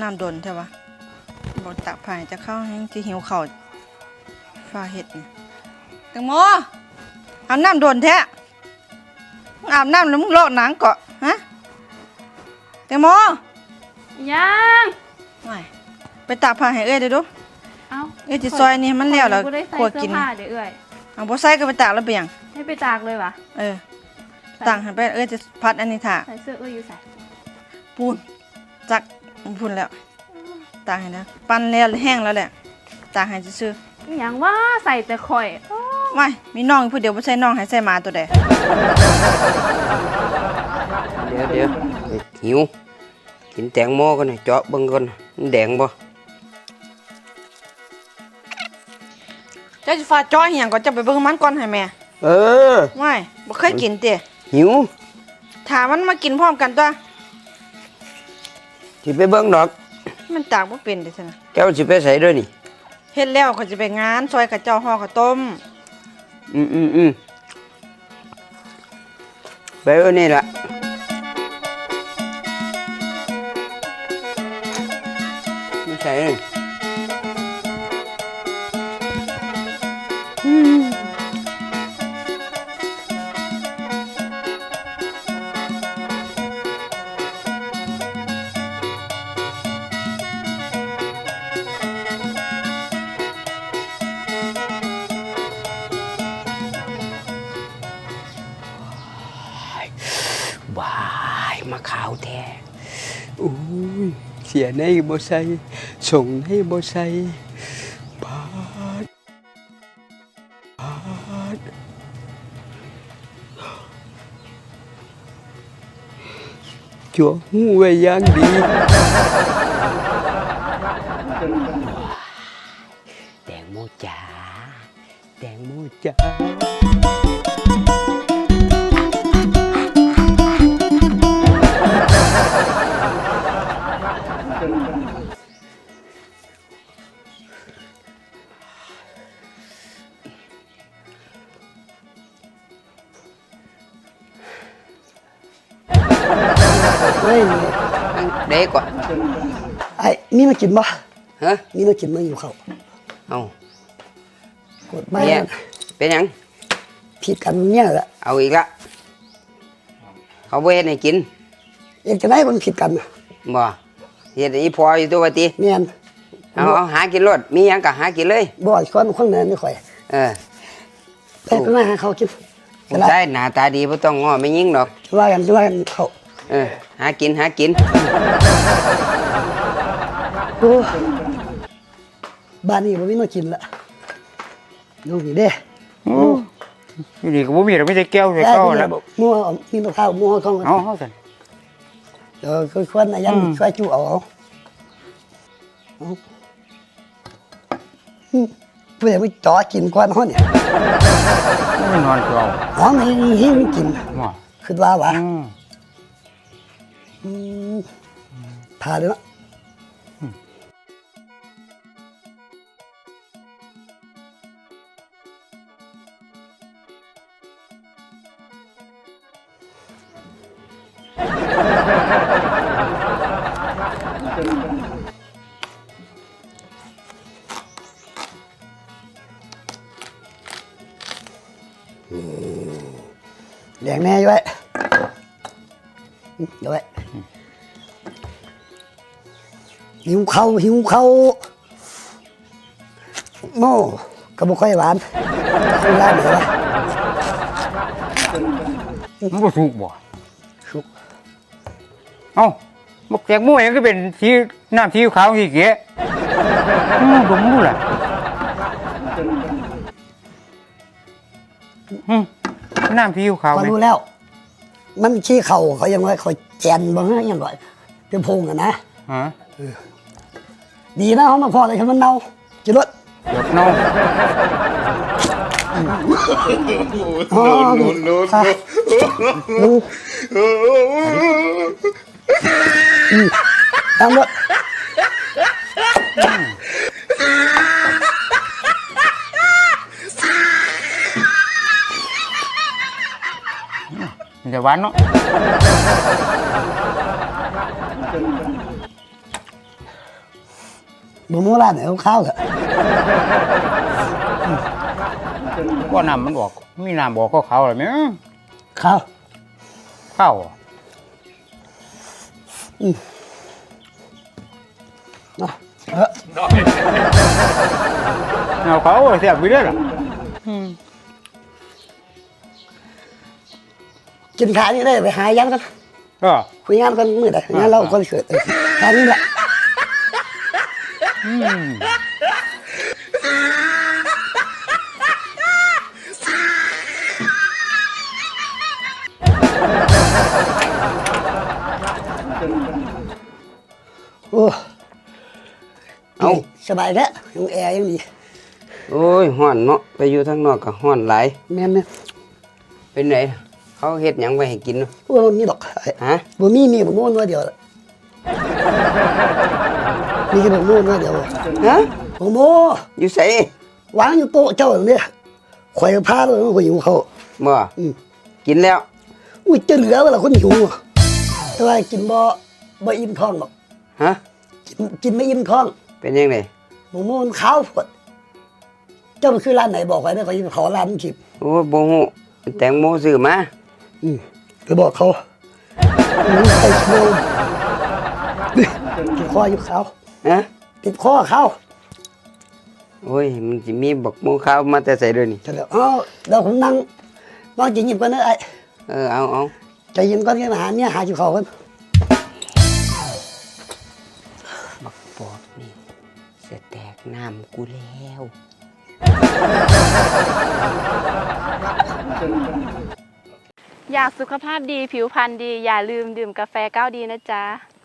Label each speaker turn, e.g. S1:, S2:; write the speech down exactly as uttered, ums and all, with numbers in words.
S1: น้ำดนใช่ปะบอกตักผ่านจะเข้าให้ที่หิวเข่าฟ้าเห็ดเนี่ยแตงโมอาบน้ำดนแท้อาบน้ำแล้วมึงลอกหนังเกาะฮะแตงโม
S2: ยัง
S1: ไม่ไปตักผ่านให้เอ้ยเดี๋ยวดู
S2: เอ้า
S1: เอ้ยจิซอยนี่มันแล้วแล้วขวดกิน
S2: เดี๋ยวเอ้ย
S1: เอาบ่ใส่ก็ไปตากแล้วไปยัง
S2: ให้ไปตากเลยวะ
S1: เออตากให้ไปเอ้ยจะพัดอันนี้ถ่า
S2: ใส่เสื้อเอ้ยอยู่ใส่
S1: ปูนจักพูนแล้วตากให้นะปั้นแล้วแห้งแล้วแหละตากให้ซื่อ
S2: อย่างว่าใส่แต่ข่อย
S1: ไม่มีน้องผู้เดียวบ่ใช่น้องให้ใส่หมาตัวใด
S3: เดี๋ยวเดี๋ยวหิวกินแตงโมกันหน่อยเจาะเบิ่งก่อนมันแดงบ่
S1: เจ้าสิฟ้าจ้อยเหียงก็จะไปเบิ่งมันก่อนให้แม่
S3: เออ
S1: ไม่บ่เคยกินติ
S3: หิว
S1: ถ้ามันมากินพร้อมกันตัว
S3: สิไปเบิ่งดอก
S1: มันตากบ่เป็นเด้ซั่นน่ะ
S3: แก้วสิไปใส่ด้วยนี่
S1: เฮ็ดแล้วเขาจะไปงานซอยกับเจ้าห่อข้าวต้ม
S3: อืมอืมอืมไปเอานี่ล่ะไม่ใช่อืมว้ายมาขาวแท้โอ้ยเสียในบ่ใส่ส่งในบ่ใส่บาดบาดจั่วหูไว้อย่างดีแตงโมจ๋าแตงโมจ๋าเฮ้ยเด็กกว่า
S4: ไอ้มีมากินบ่
S3: ฮะ
S4: มีมากินมาอยู่เขา
S3: เอา
S4: กดไม่
S3: เป็นยัง
S4: ผิดกันเนี่ยแหละ
S3: เอาอีกละเขาเวทให้กิน
S4: เอกจะได้มันผิดกัน
S3: บ่เฮ็ดอีพออยู่ตัวติ
S4: แม่น
S3: เอาเอาหากินรถมีหยังก็หากินเลย
S4: บ่คนคนนั้นไม่ค่อย
S3: เออ
S4: ไปมาหาเขากิน
S3: ใช่หน้าตาดีบ่ต้องง้อไม่ยิงดอก
S4: ว่ากันว่ากันเขา
S3: เออหากินหากิน
S4: โอ้บ้านนี้บ่มีมากินละลูกนี่เด้
S5: โอ้ยนี่ก็บ่มีดอกมีแต่แก้วแต่ก้อแล้ว
S4: มัวมีมะพร้าวมัวของ
S5: เอาเฮาซั่น
S4: เออคือคนน่ะยังช่วยจูเอาเพื่อไม่จ่อกินกวนเฮาเนี่ย
S5: ไม่นอนก็เอา
S4: อ๋อไม่หิวกิน
S5: บ่
S4: คิดว่าวะอืมพาเลยเนาะแดงแน่อยู่ไว้เดี๋ยวไว้หิวเขาหิวเขาโม่กระบอกค่อยหวานค่อยหวานเหรอวะ
S5: มันบ่สุกบ่
S4: สุก
S5: เอ้าบักแตงโมยังก็เป็นสีน้ำสีขาวสีเก๋อืมดมดูล่ะอืมน้ำสีขาว
S4: พอรู้แล้วมันชี้เข่าเขายังไงเขาแจนบ้างยังไงเป็นพงอะนะ
S5: ฮะ
S4: ดีนะเขามาพอเลยคือมันเน่าจิรถ
S5: ดอกเน่า
S4: โอ้โน้โน้โน้ตามรถ
S5: มันจะหวานเนาะ
S4: บ่มูร้านไหนเอาข้าวเหรอ
S5: ว่าน้ำมันออกมีน้ำบอกก็เขาเลยไหม
S4: ข้าว
S5: ข้าว
S4: เนาะเออ
S5: เอาเขาเสียบไปเรื่อยล่ะ
S4: กินข้าวนี่ได้ไปหายันกัน
S5: ก็
S4: คุยงานกันมื้อใดงานเราก็เกิดเออแค่นี้แหละ
S5: อืม
S4: โอ้
S3: เอา
S4: สบายแล้วยังแอร์ยังดี
S3: โอ้ยฮ้อนเนาะไปอยู่ทางนอกก็ฮ้อนหลาย
S4: แม่นเนี่ย
S3: เป็นไหนเขาเฮ็ดหยังไว้ให้กินเนาะ
S4: โอ้บ่มีดอก
S3: ฮะ
S4: บ่มีมีบ่มูนว่าเดียวละมีแค่บ่มูนว่าเดียว
S3: ฮะ
S4: บ่มู
S3: อยู่ไส
S4: วางอยู่โต๊ะเจ้าเนี่ยข่อยพาเลยข่อยหิวเขาว
S3: บ่
S4: อืม
S3: กินแล้ว
S4: อุ้ยจะเหลือเวลาคนหิวอะแต่ว่ากินบ่บ่อิ่มท้องหรอก
S3: ฮะ
S4: กินกินไม่อิ่มท้อง
S3: เป็นยังไง
S4: หมูมูมันขาวผดเจ้ามันคือร้านไหนบอกไว้เด้อข่อยจะขอร้านมันคิด
S3: โอ้บ่ฮู้แตงโมซื้อมา
S4: อืมไปบอกเขาอืมใส่โชว์นี่ติดคออยู่เขา
S3: ฮะ
S4: ติดคอเขา
S3: โอ้ยมันสิมีบักโมขาวมาแต่ใส่ด้วยนี่
S4: เสร็จแล้วอ้าวเดี๋ยวผมนั่งนั่งกินยิบกันเด้อไอ้
S3: เออเอาเอา
S4: ใจเย็นก่อนกันหาเนี่ยหาจิเขากัน
S3: บักปอบนี่จะแตกน้ำกูแล้ว
S2: อยากสุขภาพดีผิวพรรณดี อย่าลืมดื่มกาแฟก้าวดีนะจ๊ะ